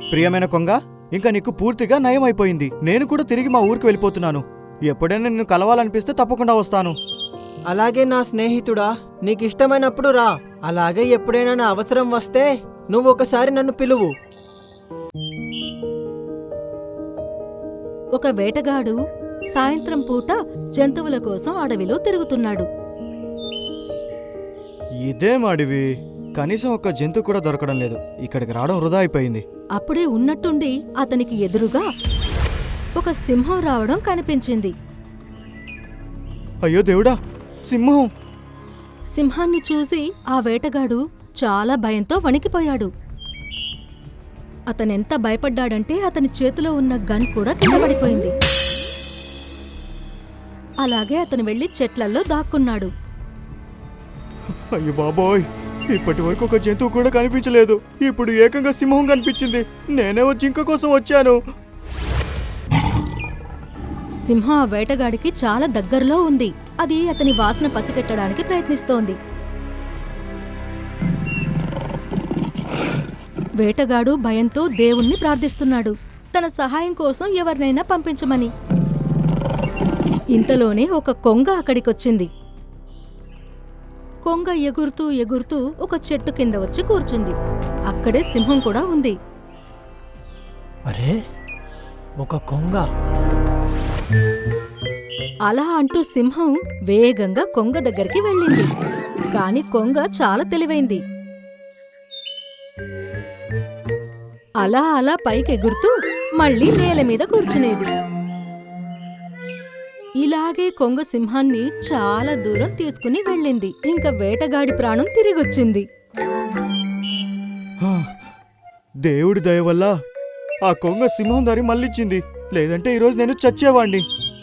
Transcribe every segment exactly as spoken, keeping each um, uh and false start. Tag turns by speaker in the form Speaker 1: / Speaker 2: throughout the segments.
Speaker 1: ప్రియమైన కొంగ, ఇంకా నీకు పూర్తిగా నయం అయిపోయింది. నేను కూడా తిరిగి మా ఊరికి వెళ్ళిపోతున్నాను. ఎప్పుడైనా నిన్ను కలవాలనిపిస్తే తప్పకుండా వస్తాను.
Speaker 2: అలాగే నా స్నేహితుడా, నీకిష్టమైనప్పుడు రా. అలాగే ఎప్పుడైనా నా అవసరం వస్తే నువ్వు ఒకసారి నన్ను పిలువు.
Speaker 3: ఒక వేటగాడు సాయంత్రం పూట జంతువుల కోసం అడవిలో తిరుగుతున్నాడు.
Speaker 1: ఇదేం అడవి, కనీసం ఒక జంతువు కూడా దొరకడం లేదు. ఇక్కడికి రావడం వృధా అయిపోయింది.
Speaker 3: అప్పుడే ఉన్నట్టుండి అతనికి ఎదురుగా ఒక సింహం రావడం కనిపించింది.
Speaker 1: అయ్యో దేవుడా, సింహం!
Speaker 3: సింహాన్ని చూసి ఆ వేటగాడు చాలా భయంతో వణికిపోయాడు. అతనెంత భయపడ్డాడంటే అతని చేతిలో ఉన్న గన్ కూడా కింద పడిపోయింది. అలాగే అతను వెళ్లి చెట్లల్లో దాక్కున్నాడు.
Speaker 1: అయ్యో బాబోయ్, ఇప్పటి వరకు ఒక జంతువు కూడా కనిపించలేదు. ఇప్పుడు ఏకంగా సింహం కనిపించింది. నేనేమో జింక కోసం వచ్చాను.
Speaker 3: సింహం ఆ వేటగాడికి చాలా దగ్గరలో ఉంది. అది అతని వాసన పసిగట్టడానికి ప్రయత్నిస్తోంది. వేటగాడు భయంతో దేవుణ్ణి ప్రార్థిస్తున్నాడు, తన సహాయం కోసం ఎవరినైనా పంపించమని. ఇంతలోనే ఒక కొంగ అక్కడికొచ్చింది. కొంగ ఎగురుతూ ఎగురుతూ ఒక చెట్టు కింద వచ్చి కూర్చుంది. అక్కడే సింహం కూడా ఉంది.
Speaker 2: అరే, ఒక కొంగ!
Speaker 3: అలా అంటూ సింహం వేగంగా కొంగ దగ్గరికి వెళ్ళింది. కాని కొంగ చాలా తెలివైంది. అలా అలా పైకెగురుతూ మళ్ళీ నేల మీద కూర్చునేది. ఇలాగే కొంగ సింహాన్ని చాలా దూరం తీసుకుని వెళ్ళింది. ఇంకా వేటగాడి ప్రాణం తిరిగొచ్చింది.
Speaker 1: హా, దేవుడి దయ వల్ల ఆ కొంగ సింహం దారి మళ్ళిచ్చింది. లేదంటే ఈరోజు నేను చచ్చేవాణ్ణి.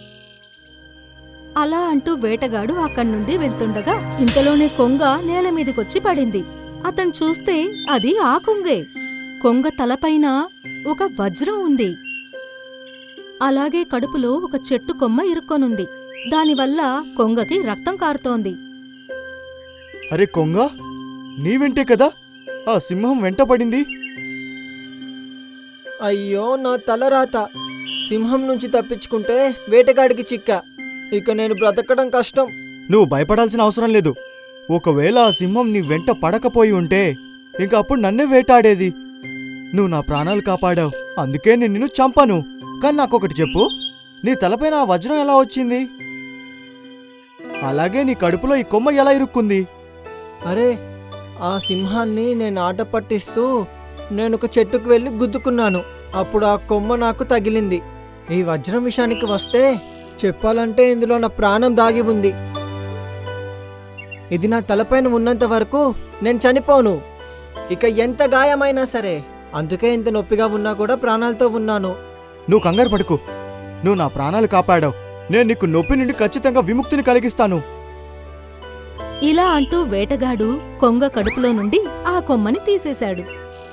Speaker 3: అలా అంటూ వేటగాడు అక్కడి నుండి వెళ్తుండగా ఇంతలోనే కొంగ నేల మీదకొచ్చి పడింది. అతను చూస్తే అది ఆ కొంగే. కొంగ తలపైన ఒక వజ్రం ఉంది. అలాగే కడుపులో ఒక చెట్టు కొమ్మ ఇరుక్కొనుంది. దానివల్ల కొంగకి రక్తం కారుతోంది.
Speaker 1: అరే కొంగ, నీ వెంటే కదా ఆ సింహం వెంటపడింది?
Speaker 2: అయ్యో, నా తలరాత! సింహం నుంచి తప్పించుకుంటే వేటగాడికి చిక్క. ఇక నేను బ్రతకడం కష్టం.
Speaker 1: నువ్వు భయపడాల్సిన అవసరం లేదు. ఒకవేళ ఆ సింహం నీ వెంట పడకపోయి ఉంటే ఇంక అప్పుడు నన్నే వేటాడేది. నువ్వు నా ప్రాణాలు కాపాడావు, అందుకే నేను నిన్ను చంపను. కానీ నాకొకటి చెప్పు, నీ తలపైన ఆ వజ్రం ఎలా వచ్చింది? అలాగే నీ కడుపులో ఈ కొమ్మ ఎలా ఇరుక్కుంది?
Speaker 2: అరే, ఆ సింహాన్ని నేను ఆట పట్టిస్తూ నేను ఒక చెట్టుకు వెళ్ళి గుద్దుకున్నాను. అప్పుడు ఆ కొమ్మ నాకు తగిలింది. ఈ వజ్రం విషయానికి వస్తే చెప్పాలంటే ఇందులో నా ప్రాణం దాగి ఉంది. ఇది నా తలపైన ఉన్నంత వరకు నేను చనిపోను, ఇక ఎంత గాయమైనా సరే. అందుకే ఇంత నొప్పిగా ఉన్నా కూడా ప్రాణాలతో ఉన్నాను.
Speaker 1: నువ్వు కంగారు పడుకు. నువ్వు నా ప్రాణాలు కాపాడావు. నేను నీకు నొప్పి నుండి ఖచ్చితంగా విముక్తిని కలిగిస్తాను.
Speaker 3: ఇలా అంటూ వేటగాడు కొంగ కడుపులో నుండి ఆ కొమ్మని తీసేశాడు.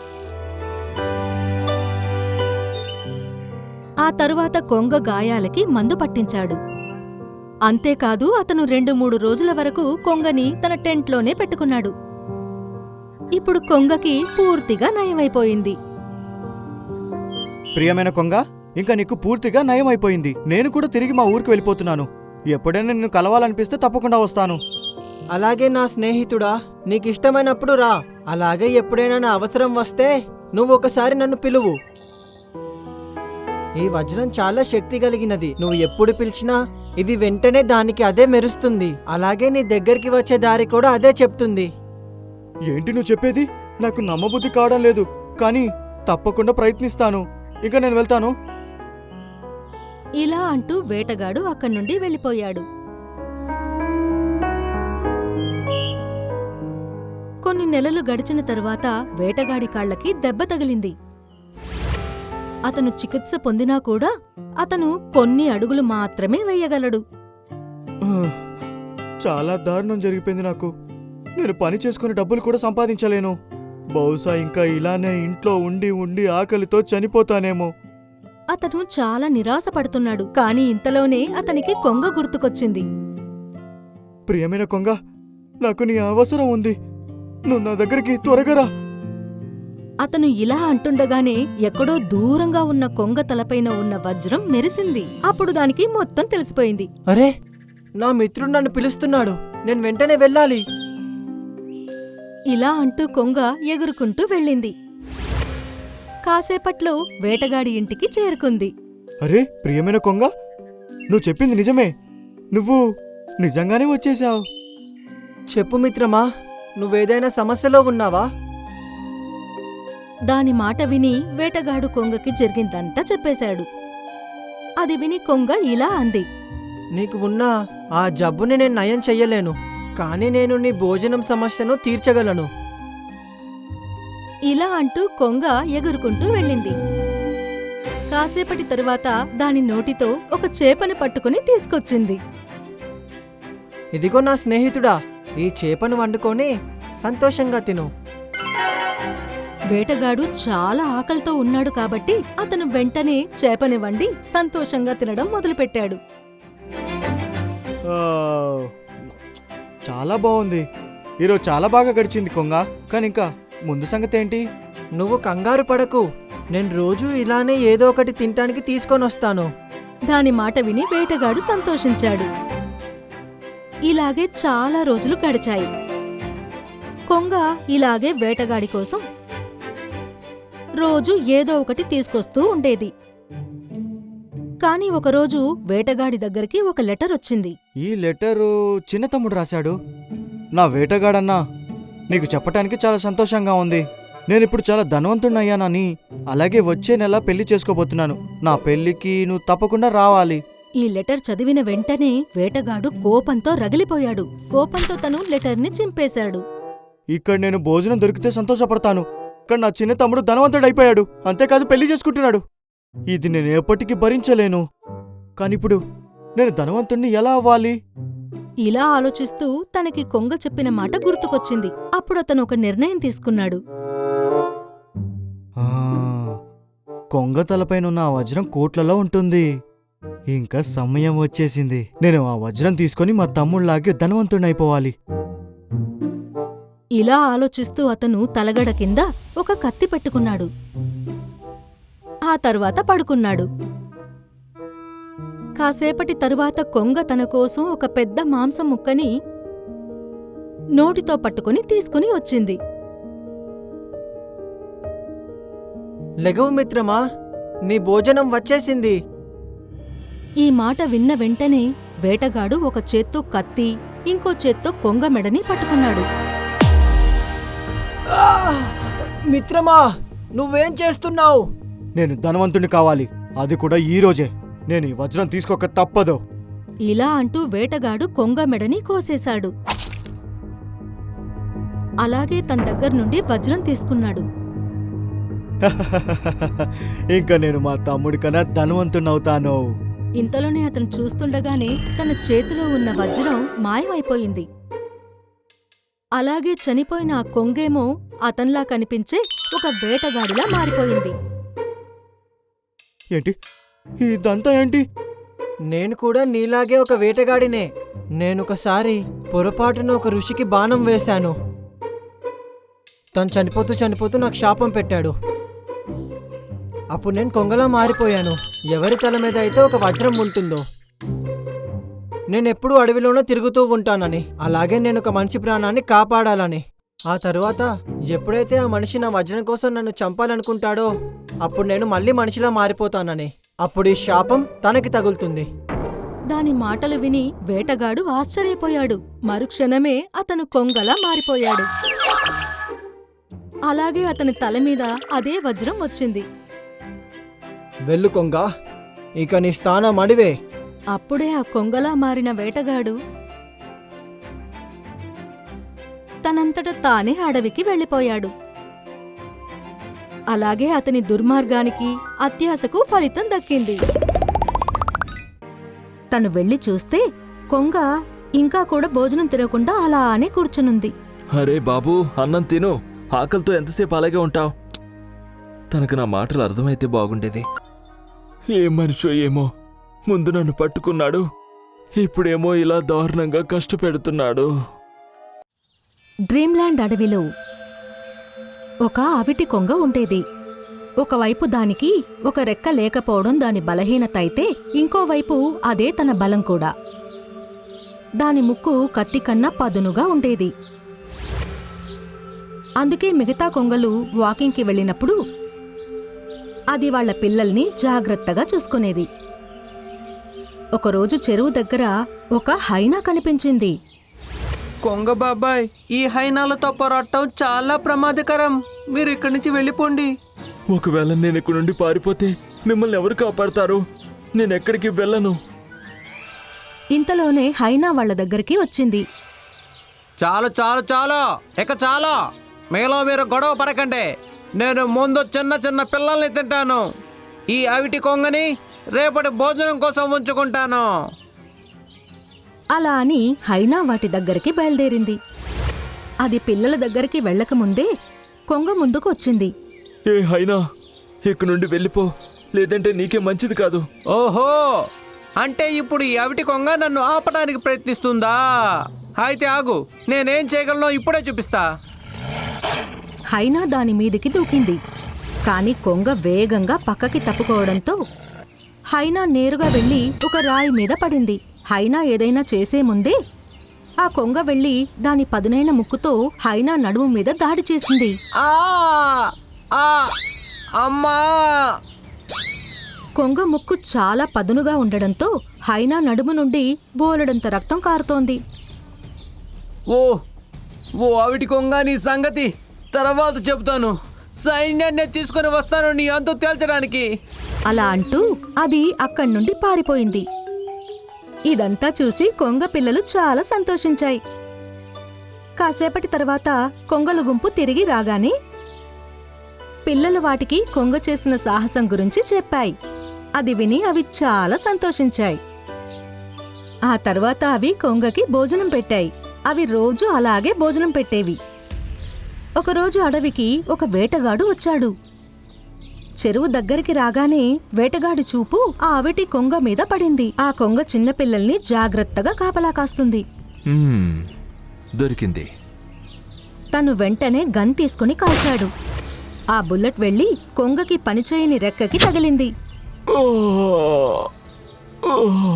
Speaker 3: ఆ తరువాత కొంగ గాయాలకి మందు పట్టించాడు. అంతేకాదు అతను రెండు మూడు రోజుల వరకు కొంగని తన టెంట్లోనే పెట్టుకున్నాడు. ఇప్పుడు కొంగకి పూర్తిగా నయమైపోయింది.
Speaker 1: ప్రియమైన కొంగ, ఇంకా నీకు పూర్తిగా నయం అయిపోయింది. నేను కూడా తిరిగి మా ఊరికి వెళ్ళిపోతున్నాను. ఎప్పుడైనా నిన్ను కలవాలనిపిస్తే తప్పకుండా వస్తాను.
Speaker 2: అలాగే నా స్నేహితుడా, నీకిష్టమైనప్పుడు రా. అలాగే ఎప్పుడైనా నా అవసరం వస్తే నువ్వు ఒకసారి నన్ను పిలువు. ఈ వజ్రం చాలా శక్తి కలిగినది. నువ్వు ఎప్పుడు పిలిచినా ఇది వెంటనే దానికి అదే మెరుస్తుంది. అలాగే నీ దగ్గరికి వచ్చే దారి కూడా అదే చెప్తుంది.
Speaker 1: ఏంటి నువ్వు చెప్పేది? నాకు నమ్మబుద్ధి కావడం లేదు. కానీ తప్పకుండా ప్రయత్నిస్తాను. ఇంకా నేను వెళ్తాను.
Speaker 3: ఇలా అంటూ వేటగాడు అక్కడి నుండి వెళ్ళిపోయాడు. కొన్ని నెలలు గడిచిన తరువాత వేటగాడి కాళ్ళకి దెబ్బ తగిలింది. అతను చికిత్స పొందినా కూడా అతను కొన్ని అడుగులు మాత్రమే వేయగలడు.
Speaker 1: చాలా దారుణం జరిగిపోయింది నాకు. నేను పని చేసుకుని డబ్బులు కూడా సంపాదించలేను. బహుశా ఇంకా ఇలానే ఇంట్లో ఉండి ఉండి ఆకలితో చనిపోతానేమో.
Speaker 3: అతను చాలా నిరాశపడుతున్నాడు. కాని ఇంతలోనే అతనికి కొంగ గుర్తుకొచ్చింది.
Speaker 1: ప్రియమైన కొంగ, నాకు నీ అవసరం ఉంది. నువ్వు నా దగ్గరికి త్వరగా రా.
Speaker 3: అతను ఇలా అంటుండగానే ఎక్కడో దూరంగా ఉన్న కొంగ తలపైన ఉన్న వజ్రం మెరిసింది. అప్పుడు దానికి మొత్తం తెలిసిపోయింది.
Speaker 2: అరే, నా మిత్రుడు నన్ను పిలుస్తున్నాడు, నేను వెంటనే వెళ్ళాలి.
Speaker 3: ఇలా అంటూ కొంగ ఎగురుకుంటూ వెళ్ళింది. కాసేపట్లో వేటగాడి ఇంటికి చేరుకుంది.
Speaker 1: అరే ప్రియమైన కొంగ, నువ్వు చెప్పింది నిజమే. నువ్వు నిజంగానే వచ్చేశావు.
Speaker 2: చెప్పు మిత్రమా, నువ్వేదైనా సమస్యలో ఉన్నావా?
Speaker 3: దాని మాట విని వేటగాడు కొంగకి జరిగిందంతా చెప్పేశాడు. అది విని కొంగ ఇలా అంది.
Speaker 2: నీకు ఉన్న ఆ జబ్బుని నేను నయం చెయ్యలేను, కానీ నేను నీ భోజనం సమస్యను తీర్చగలను.
Speaker 3: ఇలా అంటూ కొంగ ఎగురుకుంటూ వెళ్ళింది. కాసేపటి తరువాత దాని నోటితో ఒక చేపని పట్టుకుని తీసుకొచ్చింది.
Speaker 2: ఇదిగో నా స్నేహితుడా, ఈ చేపను వండుకొని సంతోషంగా తిను.
Speaker 3: వేటగాడు చాలా ఆకలితో ఉన్నాడు కాబట్టి అతను వెంటనే చేపని వండి సంతోషంగా తినడం మొదలుపెట్టాడు.
Speaker 1: ఆ, చాలా బాగుంది. ఈరోజు చాలా బాగా గడిచింది కొంగ. కానీ ఇంకా ముందు సంగతి ఏంటి?
Speaker 2: నువ్వు కంగారు పడకు, నేను రోజూ ఇలానే ఏదో ఒకటి తినటానికి తీసుకొని వస్తాను.
Speaker 3: దాని మాట విని వేటగాడు సంతోషించాడు. ఇలాగే చాలా రోజులు గడిచాయి. కొంగ ఇలాగే వేటగాడి కోసం రోజు ఏదో ఒకటి తీసుకొస్తూ ఉండేది. కాని ఒకరోజు వేటగాడి దగ్గరికి ఒక లెటర్ వచ్చింది.
Speaker 1: ఈ లెటరు చిన్న తమ్ముడు రాశాడు. నా వేటగాడన్నా, నీకు చెప్పటానికి చాలా సంతోషంగా ఉంది. నేనిప్పుడు చాలా ధనవంతుణ్ణయ్యానని, అలాగే వచ్చే నెల పెళ్లి చేసుకోబోతున్నాను. నా పెళ్లికి నువ్వు తప్పకుండా రావాలి.
Speaker 3: ఈ లెటర్ చదివిన వెంటనే వేటగాడు కోపంతో రగిలిపోయాడు. కోపంతో తను లెటర్ని చింపేశాడు.
Speaker 1: ఇక్కడ నేను భోజనం దొరికితే సంతోషపడతాను, కానీ నా చిన్న తమ్ముడు ధనవంతుడైపోయాడు, అంతేకాదు పెళ్లి చేసుకుంటున్నాడు. ఇది నేను ఎప్పటికీ భరించలేను. కానిప్పుడు నేను ధనవంతుణ్ణి ఎలా అవ్వాలి?
Speaker 3: ఇలా ఆలోచిస్తూ తనకి కొంగ చెప్పిన మాట గుర్తుకొచ్చింది. అప్పుడు అతను ఒక నిర్ణయం తీసుకున్నాడు.
Speaker 1: ఆ, కొంగ తలపైనున్న ఆ వజ్రం కోట్లలో ఉంటుంది. ఇంకా సమయం వచ్చేసింది. నేను ఆ వజ్రం తీసుకొని మా తమ్ముళ్లాగే ధనవంతుణ్ణైపోవాలి.
Speaker 3: ఇలా ఆలోచిస్తూ అతను తలగడ కింద ఒక కత్తి పెట్టుకున్నాడు. ఆ తరువాత పడుకున్నాడు. కాసేపటి తరువాత కొంగ తన కోసం ఒక పెద్ద మాంసం ముక్కని నోటితో పట్టుకుని తీసుకుని వచ్చింది.
Speaker 2: లెగవు మిత్రమా, నీ భోజనం వచ్చేసింది.
Speaker 3: ఈ మాట విన్న వెంటనే వేటగాడు ఒక చేత్తో కత్తి, ఇంకో చేత్తో కొంగ మెడని పట్టుకున్నాడు.
Speaker 2: ఆ! మిత్రమా, నువ్వేం చేస్తున్నావు?
Speaker 1: నేను ధనవంతుణ్ణి కావాలి, అది కూడా ఈ రోజే. నేను ఈ వజ్రం తీసుకోక తప్పదు.
Speaker 3: ఇలా అంటూ వేటగాడు కొంగ మెడని కోసేశాడు. అలాగే తన దగ్గర నుండి వజ్రం తీసుకున్నాడు.
Speaker 1: ఇంకా నేను మా తమ్ముడి కన్నా ధనవంతుణ్ణవుతాను.
Speaker 3: ఇంతలోనే అతను చూస్తుండగానే తన చేతిలో ఉన్న వజ్రం మాయమైపోయింది. అలాగే చనిపోయిన ఆ కొంగేమో అతన్లా కనిపించే ఒక వేటగాడిలా మారిపోయింది.
Speaker 1: ఏంటి ఇదంతా ఏంటి?
Speaker 2: నేను కూడా నీలాగే ఒక వేటగాడినే. నేనొకసారి పొరపాటున ఒక ఋషికి బాణం వేశాను. తను చనిపోతూ చనిపోతూ నాకు శాపం పెట్టాడు. అప్పుడు నేను కొంగలా మారిపోయాను. ఎవరి తల మీద అయితే ఒక వజ్రం ఉంటుందో, నేనెప్పుడూ అడవిలోనే తిరుగుతూ ఉంటానని, అలాగే నేను ఒక మనిషి ప్రాణాన్ని కాపాడాలని. ఆ తరువాత ఎప్పుడైతే ఆ మనిషి నా వజ్రం కోసం నన్ను చంపాలనుకుంటాడో అప్పుడు నేను మళ్ళీ మనిషిలా మారిపోతానని. అప్పుడు ఈ శాపం తనకి తగులుతుంది.
Speaker 3: దాని మాటలు విని వేటగాడు ఆశ్చర్యపోయాడు. మరుక్షణమే అతను కొంగలా మారిపోయాడు. అలాగే అతని తల మీద అదే వజ్రం వచ్చింది.
Speaker 2: వెళ్ళు కొంగ, ఇక నీ స్థానం అడివే.
Speaker 3: అప్పుడే ఆ కొంగలా మారిన వేటగాడు తనంతట తానే అడవికి వెళ్ళిపోయాడు. అలాగే అతని దుర్మార్గానికి, అత్యాశకు ఫలితం దక్కింది. తను వెళ్లి చూస్తే కొంగ ఇంకా కూడా భోజనం తినకుండా అలానే కూర్చునుంది.
Speaker 4: అరే బాబూ, అన్నం తిను. ఆకలితో ఎంతసేపు అలాగే ఉంటావు? తనకు నా మాటలు అర్థమైతే బాగుండేది. ఏ మనిషో ఏమో, ముందు నన్ను పట్టుకున్నాడు, ఇప్పుడేమో ఇలా దారుణంగా కష్టపెడుతున్నాడు.
Speaker 3: డ్రీమ్ల్యాండ్ అడవిలో ఒక అవిటి కొంగ ఉండేది. ఒకవైపు దానికి ఒక రెక్క లేకపోవడం దాని బలహీనత అయితే, ఇంకోవైపు అదే తన బలం కూడా. దాని ముక్కు కత్తి కన్నా పదునుగా ఉండేది. అందుకే మిగతా కొంగలు వాకింగ్కి వెళ్ళినప్పుడు అది వాళ్ల పిల్లల్ని జాగ్రత్తగా చూసుకునేది. ఒకరోజు చెరువు దగ్గర ఒక హైనా కనిపించింది.
Speaker 2: కొంగ బాబాయ్, ఈ హైనాలతో పోరాటం చాలా ప్రమాదకరం. మీరు ఇక్కడి నుంచి వెళ్ళిపోండి.
Speaker 4: ఒకవేళ నేను ఇక్కడ నుండి పారిపోతే మిమ్మల్ని ఎవరు కాపాడతారు? నేనెక్కడికి వెళ్ళను.
Speaker 3: ఇంతలోనే హైనా వాళ్ల దగ్గరికి వచ్చింది.
Speaker 2: చాలు చాలు చాలు, ఇక చాలు. మీలో మీరు గొడవ పడకండి. నేను ముందు చిన్న చిన్న పిల్లల్ని తింటాను. ఈ అవిటి కొంగని రేపటి భోజనం కోసం ఉంచుకుంటాను.
Speaker 3: అలా అని హైనా వాటి దగ్గరికి బయలుదేరింది. అది పిల్లల దగ్గరికి వెళ్ళకముందే కొంగ ముందుకు వచ్చింది.
Speaker 4: ఏ హైనా, ఇక్కడ నుండి వెళ్ళిపో, లేదంటే నీకే మంచిది కాదు.
Speaker 2: ఓహో, అంటే ఇప్పుడు ఈ అవిటి కొంగ నన్ను ఆపడానికి ప్రయత్నిస్తుందా? అయితే ఆగు, నేనేం చేయగలనో ఇప్పుడే చూపిస్తా.
Speaker 3: హైనా దాని మీదికి దూకింది. కాని కొంగ వేగంగా పక్కకి తప్పుకోవడంతో హైనా నేరుగా వెళ్లి ఒక రాయి మీద పడింది. హైనా ఏదైనా చేసే ముందే ఆ కొంగ వెళ్లి దాని పదునైన ముక్కుతో హైనా నడుము మీద దాడి చేసింది.
Speaker 2: ఆ ఆ అమ్మా!
Speaker 3: కొంగ ముక్కు చాలా పదునుగా ఉండడంతో హైనా నడుము నుండి బోలెడంత రక్తం కారుతోంది.
Speaker 2: ఓ ఓ అవిటి కొంగ, నీ సంగతి తర్వాత చెబుతాను. సైన్యాన్ని తీసుకుని వస్తాను నీ అంతు తేల్చడానికి.
Speaker 3: అలా అంటూ అది అక్కడి నుండి పారిపోయింది. ఇదంతా చూసి కొంగ పిల్లలు చాలా సంతోషించాయి. కాసేపటి తర్వాత కొంగల గుంపు తిరిగి రాగానే పిల్లలు వాటికి కొంగ చేసిన సాహసం గురించి చెప్పాయి. అది విని అవి చాలా సంతోషించాయి. ఆ తర్వాత అవి కొంగకి భోజనం పెట్టాయి. అవి రోజు అలాగే భోజనం పెట్టేవి. ఒకరోజు అడవికి ఒక వేటగాడు వచ్చాడు. చెరువు దగ్గరికి రాగానే వేటగాడి చూపు ఆ అవిటి కొంగ మీద పడింది. ఆ కొంగ చిన్నపిల్లల్ని జాగ్రత్తగా కాపలా కాస్తుంది.
Speaker 4: మ్మ్, దొరికింది.
Speaker 3: తను వెంటనే గన్ తీసుకుని కాల్చాడు. ఆ బుల్లెట్ వెళ్లి కొంగకి పనిచేయని రెక్కకి తగిలింది.
Speaker 4: ఓ! ఓ!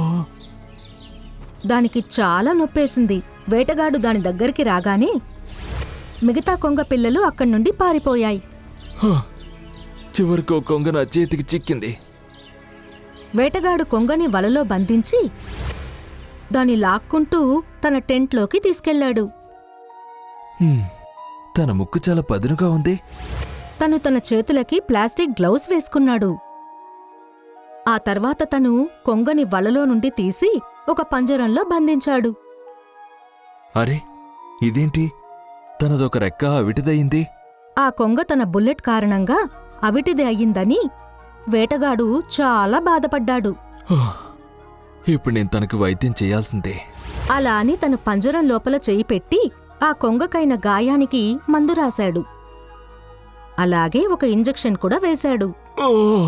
Speaker 3: దానికి చాలా నొప్పేసింది. వేటగాడు దాని దగ్గరికి రాగానే మిగతా కొంగ పిల్లలు అక్కడి నుండి పారిపోయాయి.
Speaker 4: హ! చివరికి ఓ కొంగ నా చేతికి చిక్కింది.
Speaker 3: వేటగాడు కొంగని వలలో బంధించి దాన్ని లాక్కుంటూ తన టెంట్లోకి తీసుకెళ్లాడు.
Speaker 4: హ్మ్, తన ముక్కు చాలా పదునుగా ఉంది.
Speaker 3: తను తన చేతులకి ప్లాస్టిక్ గ్లౌస్ వేసుకున్నాడు. ఆ తర్వాత తను కొంగని వలలో నుండి తీసి ఒక పంజరంలో బంధించాడు.
Speaker 4: అరే, ఇదేంటి? తనదొక రెక్క అవిటిదయింది.
Speaker 3: ఆ కొంగ తన బుల్లెట్ కారణంగా అవిటిది అయ్యిందని వేటగాడు చాలా బాధపడ్డాడు.
Speaker 4: హ! ఇప్పుడు నేను తనకు వైద్యం చేయాల్సిందే.
Speaker 3: అలా అని తను పంజరం లోపల చేయి పెట్టి ఆ కొంగకైన గాయానికి మందు రాశాడు. అలాగే ఒక ఇంజెక్షన్ కూడా వేశాడు.
Speaker 4: ఓ!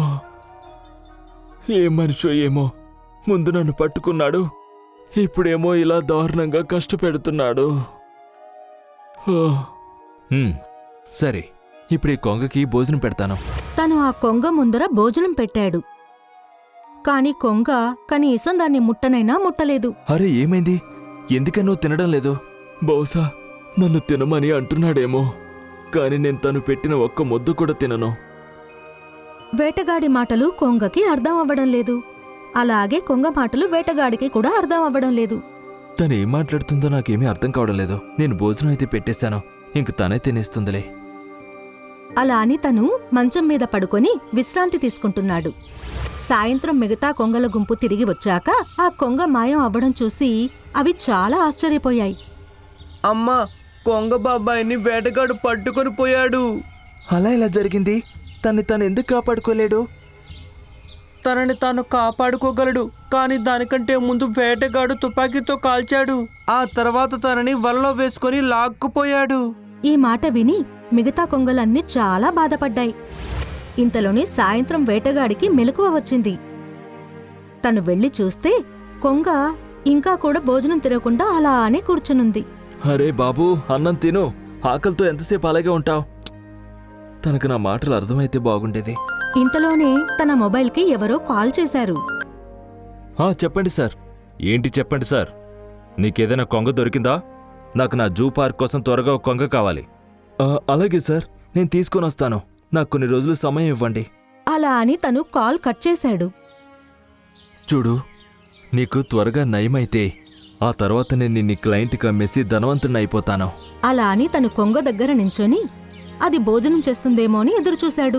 Speaker 4: ఏ మనిషో ఏమో, ముందు నన్ను పట్టుకున్నాడు, ఇప్పుడేమో ఇలా దారుణంగా కష్టపెడుతున్నాడు. ఓ! హ్మ్, సరే, ఇప్పుడు ఈ కొంగకి భోజనం పెడతాను.
Speaker 3: తను ఆ కొంగ ముందర భోజనం పెట్టాడు. కాని కొంగ కనీసం దాన్ని ముట్టనైనా ముట్టలేదు.
Speaker 4: అరే, ఏమైంది? ఎందుకని నువ్వు తినడం లేదు? బహుశా నన్ను తినమని అంటున్నాడేమో, కాని నేను తను పెట్టిన ఒక్క ముద్ద కూడా తినను.
Speaker 3: వేటగాడి మాటలు కొంగకి అర్థం అవ్వడం లేదు. అలాగే కొంగ మాటలు వేటగాడికి కూడా అర్థం అవ్వడం లేదు.
Speaker 4: తను ఏం మాట్లాడుతుందో నాకేమీ అర్థం కావడం లేదు. నేను భోజనం అయితే పెట్టేశాను, ఇంక తనే తినేస్తుందిలే.
Speaker 3: అలా అని తను మంచం మీద పడుకొని విశ్రాంతి తీసుకుంటున్నాడు. సాయంత్రం మిగతా కొంగల గుంపు తిరిగి వచ్చాక ఆ కొంగ మాయం అవ్వడం చూసి అవి చాలా ఆశ్చర్యపోయాయి.
Speaker 2: అమ్మా, కొంగ బాబాయిని వేటగాడు పట్టుకొని పోయాడు.
Speaker 4: అలా ఎలా జరిగింది? తన్ని తను ఎందుకు కాపాడుకోలేడు?
Speaker 2: తనని తాను కాపాడుకోగలడు, కానీ దానికంటే ముందు వేటగాడు తుపాకీతో కాల్చాడు. ఆ తర్వాత తనని వలలో వేసుకొని లాక్కుపోయాడు.
Speaker 3: ఈ మాట విని మిగతా కొంగలన్నీ చాలా బాధపడ్డాయి. ఇంతలోనే సాయంత్రం వేటగాడికి మెలకువ వచ్చింది. తను వెళ్లి చూస్తే కొంగ ఇంకా కూడా భోజనం తినకుండా అలానే కూర్చునుంది.
Speaker 4: అరే బాబూ, అన్నం తిను. ఆకలితో ఎంతసేపు అలాగే ఉంటావు? తనకు నా మాటలు అర్థమైతే బాగుండేది.
Speaker 3: ఇంతలోనే తన మొబైల్కి ఎవరో కాల్ చేశారు.
Speaker 4: ఆ, చెప్పండి సార్. ఏంటి చెప్పండి సార్. నీకేదైనా కొంగ దొరికిందా? నాకు నా జూ పార్క్ కోసం త్వరగా ఒక కొంగ కావాలి. ఆ, అలాగే సార్, నేను తీసుకొని వస్తాను. నాకు కొన్ని రోజులు సమయం ఇవ్వండి.
Speaker 3: అలా అని తను కాల్ కట్ చేశాడు.
Speaker 4: చూడు, నీకు త్వరగా నయమైతే ఆ తర్వాత నేను నీ క్లయింట్కి అమ్మేసి ధనవంతుని అయిపోతాను.
Speaker 3: అలా అని తను కొంగ దగ్గర నించొని అది భోజనం చేస్తుందేమో అని ఎదురుచూశాడు.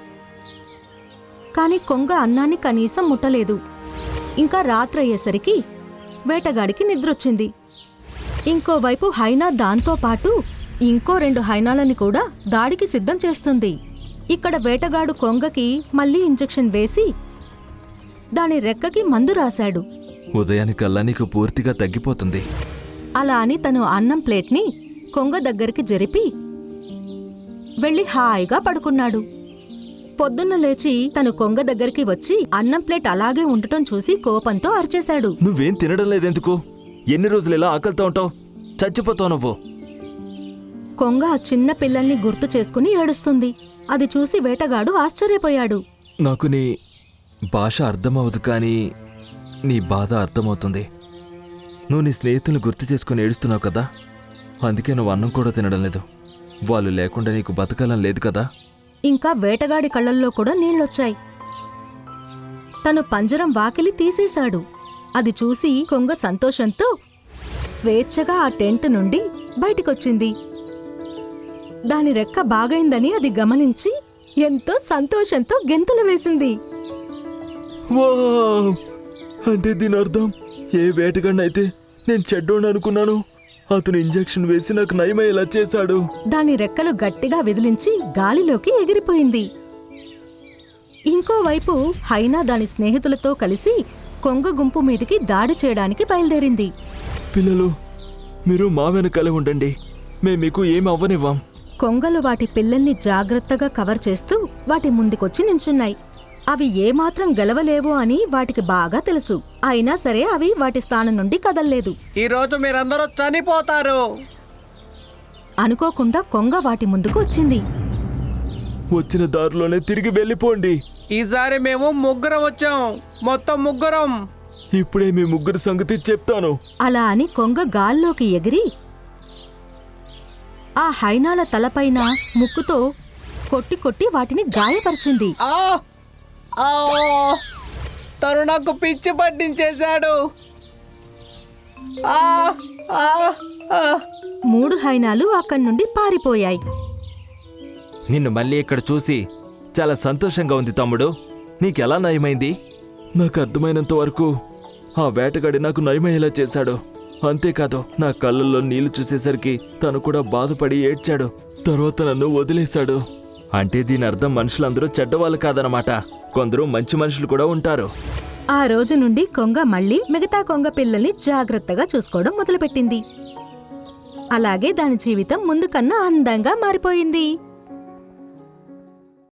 Speaker 3: కాని కొంగ అన్నాన్ని కనీసం ముట్టలేదు. ఇంకా రాత్రయ్యేసరికి వేటగాడికి నిద్రొచ్చింది. ఇంకోవైపు హైనా దాంతో పాటు ఇంకో రెండు హైనాలని కూడా దాడికి సిద్ధం చేస్తుంది. ఇక్కడ వేటగాడు కొంగకి మళ్లీ ఇంజెక్షన్ వేసి దాని రెక్కకి మందు రాశాడు.
Speaker 4: ఉదయానికల్లా నీకు పూర్తిగా తగ్గిపోతుంది.
Speaker 3: అలా అని తను అన్నం ప్లేట్ని కొంగ దగ్గరికి జరిపి వెళ్ళి హాయిగా పడుకున్నాడు. పొద్దున్న లేచి తను కొంగ దగ్గరికి వచ్చి అన్నం ప్లేట్ అలాగే ఉండటం చూసి కోపంతో అరిచేశాడు.
Speaker 4: నువ్వేం తినడం లేదెందుకు? ఎన్ని రోజులు ఇలా ఆకలితో ఉంటావు? చచ్చిపోతావు నువ్వు.
Speaker 3: కొంగ ఆ చిన్న పిల్లల్ని గుర్తు చేసుకుని ఏడుస్తుంది. అది చూసి వేటగాడు ఆశ్చర్యపోయాడు.
Speaker 4: నాకు నీ భాష అర్థమవదు, కానీ నీ బాధ అర్థమవుతుంది. నువ్వు నీ స్నేహితులను గుర్తు చేసుకుని ఏడుస్తున్నావు కదా, అందుకే నువ్వు అన్నం కూడా తినడం లేదు. వాళ్ళు లేకుండా నీకు బతకాలని లేదు కదా.
Speaker 3: ఇంకా వేటగాడి కళ్ళల్లో కూడా నీళ్లొచ్చాయి. తను పంజరం వాకిలి తీసేశాడు. అది చూసి కొంగ సంతోషంతో స్వేచ్ఛగా ఆ టెంట్ నుండి బయటికొచ్చింది. దాని రెక్క బాగైందని అది గమనించి ఎంతో సంతోషంతో గెంతులు వేసింది.
Speaker 4: వావ్! అంటే దీని అర్థం, ఏ వేటగాడినైతే నేను చెడ్డోడు అనుకున్నాను, అతను ఇంజెక్షన్ వేసి నాకు నయమయ్యేలా చేశాడు.
Speaker 3: దాని రెక్కలు గట్టిగా విదిలించి గాలిలోకి ఎగిరిపోయింది. ఇంకోవైపు హైనా దాని స్నేహితులతో కలిసి కొంగ గుంపు మీదికి దాడి చేయడానికి బయలుదేరింది.
Speaker 4: పిల్లలు, మీరు మా వెనకాలే ఉండండి, మేము మీకు ఏమి అవ్వనివ్వం.
Speaker 3: కొంగలు వాటి పిల్లల్ని జాగ్రత్తగా కవర్ చేస్తూ వాటి ముందుకొచ్చి నించున్నాయి. అవి ఏమాత్రం గెలవలేవు అని వాటికి బాగా తెలుసు. అయినా సరే అవి వాటి స్థానం నుండి కదల్లేదు.
Speaker 2: ఈరోజు మీరందరూ చనిపోతారు.
Speaker 3: అనుకోకుండా కొంగ వాటి ముందుకు వచ్చింది.
Speaker 4: వచ్చిన దారిలోనే తిరిగి వెళ్ళిపోండి.
Speaker 2: ఈసారి మేము ముగ్గురం వచ్చాం, మొత్తం ముగ్గురం.
Speaker 4: ఇప్పుడే మీ ముగ్గురు సంగతి చెప్తాను.
Speaker 3: అలా అని కొంగ గాల్లోకి ఎగిరి ఆ హైనాల తలపైన ముక్కుతో కొట్టి కొట్టి వాటిని గాయపరిచింది.
Speaker 2: ఆ! ఆ! తను నాకు పిచ్చి పట్టించేశాడు. ఆ! ఆ! ఆ!
Speaker 3: మూడు హైనాలు అక్కడి నుండి పారిపోయాయి.
Speaker 4: నిన్ను మళ్ళీ ఇక్కడ చూసి చాలా సంతోషంగా ఉంది తమ్ముడు. నీకెలా నయమైంది? నాకు అర్థమైనంత వరకు ఆ వేటగాడి నాకు నయమయ్యేలా చేశాడు. అంతేకాదు, నా కళ్ళల్లో నీళ్లు చూసేసరికి తను కూడా బాధపడి ఏడ్చాడు. తర్వాత నన్ను వదిలేశాడు. అంటే దీని అర్థం మనుషులందరూ చెడ్డవాళ్ళు కాదనమాట. కొందరు మంచి మనుషులు కూడా ఉంటారు.
Speaker 3: ఆ రోజు నుండి కొంగ మళ్ళీ మిగతా కొంగ పిల్లల్ని జాగ్రత్తగా చూసుకోవడం మొదలుపెట్టింది. అలాగే దాని జీవితం ముందు కన్నా అందంగా మారిపోయింది.